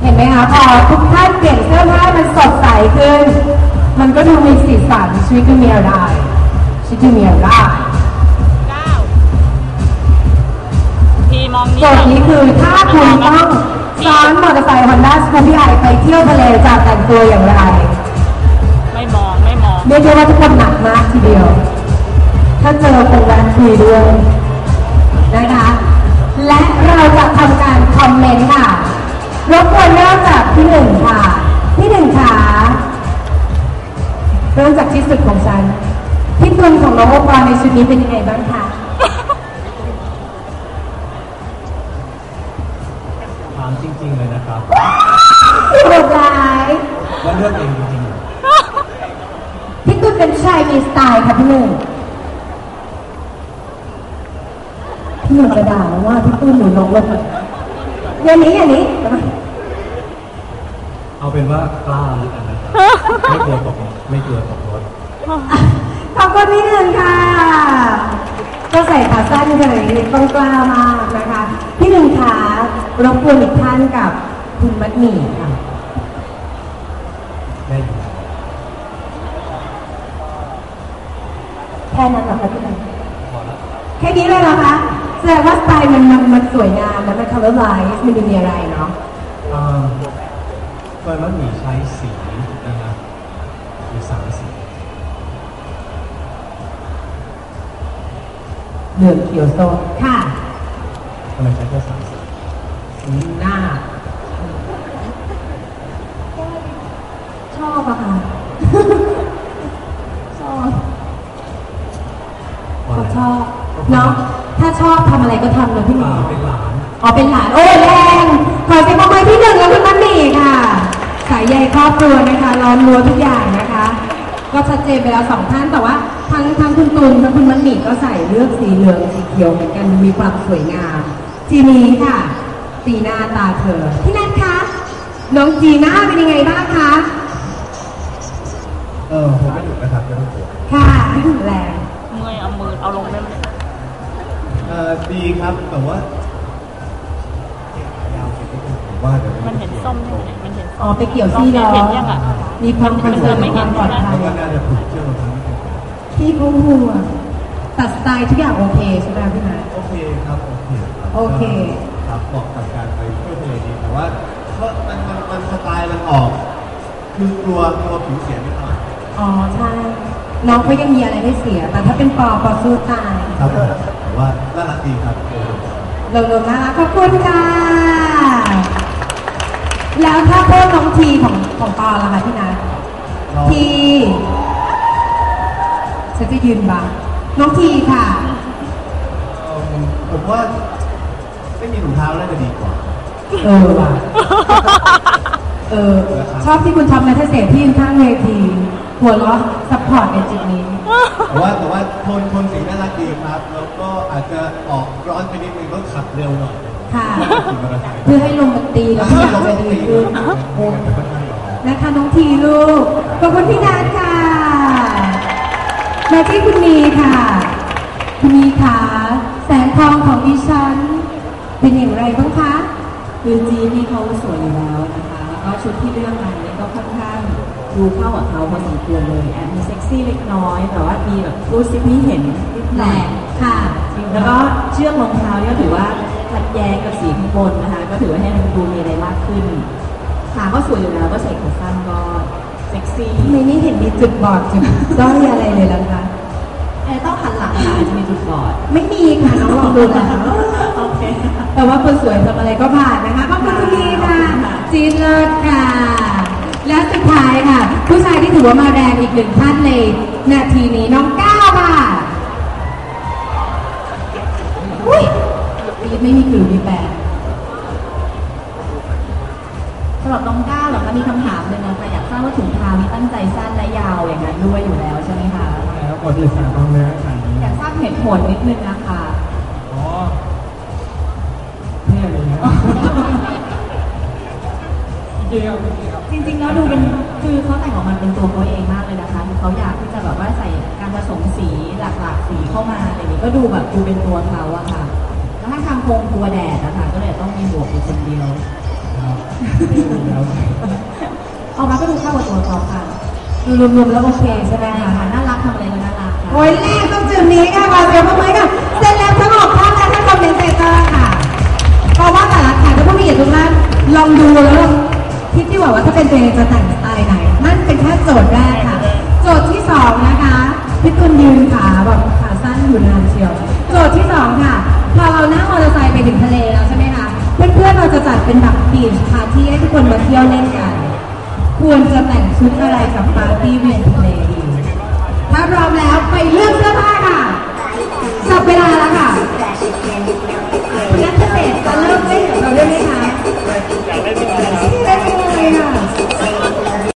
เห็นไหมคะพอทุกท่านเปลี่ยนเสื้อผ้ามันสดใสขึ้นมันก็ดูมีสีสันชีวิตก็มีอะไรชีวิตมีอะไรโจทย์นี้คือถ้าคุณต้องซ้อนมอเตอร์ไซค์ Honda Scoopy-i ไปเที่ยวทะเลจะแต่งตัวอย่างไรไม่มองเรียกได้ว่าทุกคนหนักมากทีเดียวถ้าเจอคงแวะคุยด้วยนะคะและเราจะทำการคอมเมนต์ค่ะรบกวนเริ่มจากพี่หนึ่งค่ะพี่หนึ่งค่ะเริ่มจากที่สุดของฉันพี่ตุลของน้องโอปอในชุดนี้เป็นยังไงบ้างคะถามจริงๆเลยนะครับโหดร้ายว่าเลือกเองจริงๆพี่ตุลเป็นชายมีสไตล์ค่ะพี่หนึ่งพี่หนึ่งกระดาษว่าพี่ตุลหนูลงรถอย่างนี้เอาเป็นว่ากล้าแล้วกันนะครับไม่กลัวตกรถขอบคุณพี่หนึ่งค่ะก็ใส่ขาสั้นเลยต้องกล้ามากนะคะพี่หนึ่งค่ะรบกวนอีกท่านกับคุณมัดหมี่ค่ะได้แค่นั้นเหรอคะพี่หนึ่งแค่นี้เลยเหรอคะแสดงว่าสไตล์มันสวยงามมัน color line มันมีอะไรเนาะตัวมัดหมี่ใช้สีนะครับมี3 สีเหลืองเขียวส้มค่ะทำไมใช้แค่3 สีหน้าชอบอะค่ะชอบเนาะถ้าชอบทำอะไรก็ทำเลยพี่หนึ่งเป็นหลานเป็นหลานโอ้แรงขอเสียงปรบมือที่หนึ่งแล้วคุณมันนี่ค่ะสายใยครอบครัวนะคะล้อมรั้วทุกอย่างนะคะก็ชัดเจนไปแล้ว2 ท่านแต่ว่าทั้งคุณตุลและคุณมันนี่ก็ใส่เลือกสีเหลืองสีเขียวเหมือนกันมีความสวยงามทีนี้ค่ะจีน่าตาเธอพี่นัทคะน้องจีน่าเป็นยังไงบ้างคะผมไม่ถูกนะครับไม่ต้องกลัวค่ะแรงเมื่อยเอามือเอาลงได้ไหมดีครับแต่ว่ายาวไปนิดนึงผมว่าเดี๋ยวมันเห็นส้มใช่ไหมมันเห็นไปเกี่ยวซี่ล้อมีความคอนเซิร์นความปลอดภัยก็น่าจะผูกเชือกมาทั้งนี้พี่เขาห่วงตัดสไตล์ทุกอย่างโอเคใช่ไหมพี่นัทโอเคครับโอเคครับเหมาะกับการไปเที่ยวทะเลดีแต่ว่ามันสไตล์มันออกคือกลัวผิวเสียนิดหน่อยใช่น้องเขายังมีอะไรให้เสียแต่ถ้าเป็นปอสู้ตายครับแต่ว่าน่ารักดีครับเราน่ารักขอบคุณค่ะแล้วถ้าเพิ่มน้องทีของปอล่ะคะพี่นัททีฉันจะยืนบ้างน้องทีค่ะผมว่าไม่มีถุงเท้าน่าจะดีกว่าว่ะชอบที่คุณทำนะถ้าเสียที่ข้างเวทีหัวเราะซัพพอร์ตในจุดนี้แต่ว่าโทนสีน่ารักดีครับแล้วก็อาจจะออกร้อนไปนิดนึงก็ขับเร็วหน่อยค่ะเพื่อให้ลมมันตีแล้วทุกอย่างจะดีขึ้นนะคะน้องทีลูกขอบคุณพี่นัทค่ะมาที่คุณมีค่ะคุณมีค่ะแสงทองของดิฉันเป็นอย่างไรบ้างคะคือจีนี่เขาสวยอยู่แล้วนะคะแล้วก็ชุดที่เลือกมาเนี่ยก็ค่อนข้างดูเข้ากับเขาพอสมควรเลยแอบมีเซ็กซี่เล็กน้อยแต่ว่ามีแบบรูดซิปให้เห็นนิดหน่อยค่ะแล้วก็เชือกรองเท้าเนี่ยถือว่าขัดแย้งกับสีข้างบนนะคะก็ถือว่าให้มันดูมีอะไรมากขึ้นขาก็สวยอยู่แล้วก็ใส่ขาสั้นก็เซ็กซี่ไม่นี่เห็นมีจุดบอดจุดด้อยอะไรเลยแล้วคะต้องหันหลังค่ะจะมีจุดบอดไม่มีค่ะน้องลองดูแล้วโอเคแต่ว่าคนสวยทำอะไรก็ผ่านนะคะขอบคุณทุกทีค่ะจีนเลิศค่ะและสุดท้ายค่ะผู้ชายที่ถือว่ามาแรงอีก1 ท่านในนาทีนี้น้องก้าวค่ะอุ้ยไม่มีกลิ่นมีแปลสำหรับน้องก้าวเหรอคะมีคำถามเลยนะคะอยากทราบว่าถุงเท้านี้ตั้งใจสั้นและยาวอย่างนั้นด้วยอยู่แล้วใช่ไหมคะแล้วกดเลยสั่งต้องเลยสั่งอยากทราบเหตุผลนิดนึงนะคะเนี่ยเลยนะจริงๆแล้วดูเป็นคือเขาแต่งออกมาเป็นตัวเขาเองมากเลยนะคะเขาอยากที่จะแบบว่าใส่การผสมสีหลากๆสีเข้ามาอะไรอย่างนี้ก็ดูแบบดูเป็นตัวเขาอะค่ะแล้วถ้าทำโครงตัวแดดนะคะก็เลยต้องมีหมวกอยู่คนเดียวออกมาก็ดูเข้ากับตัวเขาค่ะรวมๆแล้วโอเคใช่ไหมคะน่ารักทำอะไรก็น่ารักค่ะโอ้ยแรกต้องจุดนี้ค่ะขอเสียงปรบมือค่ะเสร็จแล้วทั้ง6ท่านและท่านคอมเมนเตเตอร์ค่ะเพราะว่าแต่ละแขกผู้มีเกียรติทุกท่านลองดูแล้วคิดที่ว่าถ้าเป็นตัวเองจะแต่งสไตล์ไหนนั่นเป็นแค่โจทย์แรกค่ะ โจทย์ที่2นะคะพี่ตุลยืนขาแบบขาสั้นอยู่นานเชียวโจทย์ที่2ค่ะพอเรานั่งมอเตอร์ไซค์ไปถึงทะเลแล้วใช่ไหมคะเพื่อนๆเราจะจัดเป็นแบบบีชปาร์ตี้ให้ทุกคนมาเที่ยวเล่นกันควรจะแต่งชุดอะไรกับปาร์ตี้เวียนทะเลดีถ้าพร้อมแล้วไปเลือกเสื้อผ้าค่ะจับเวลาแล้วค่ะ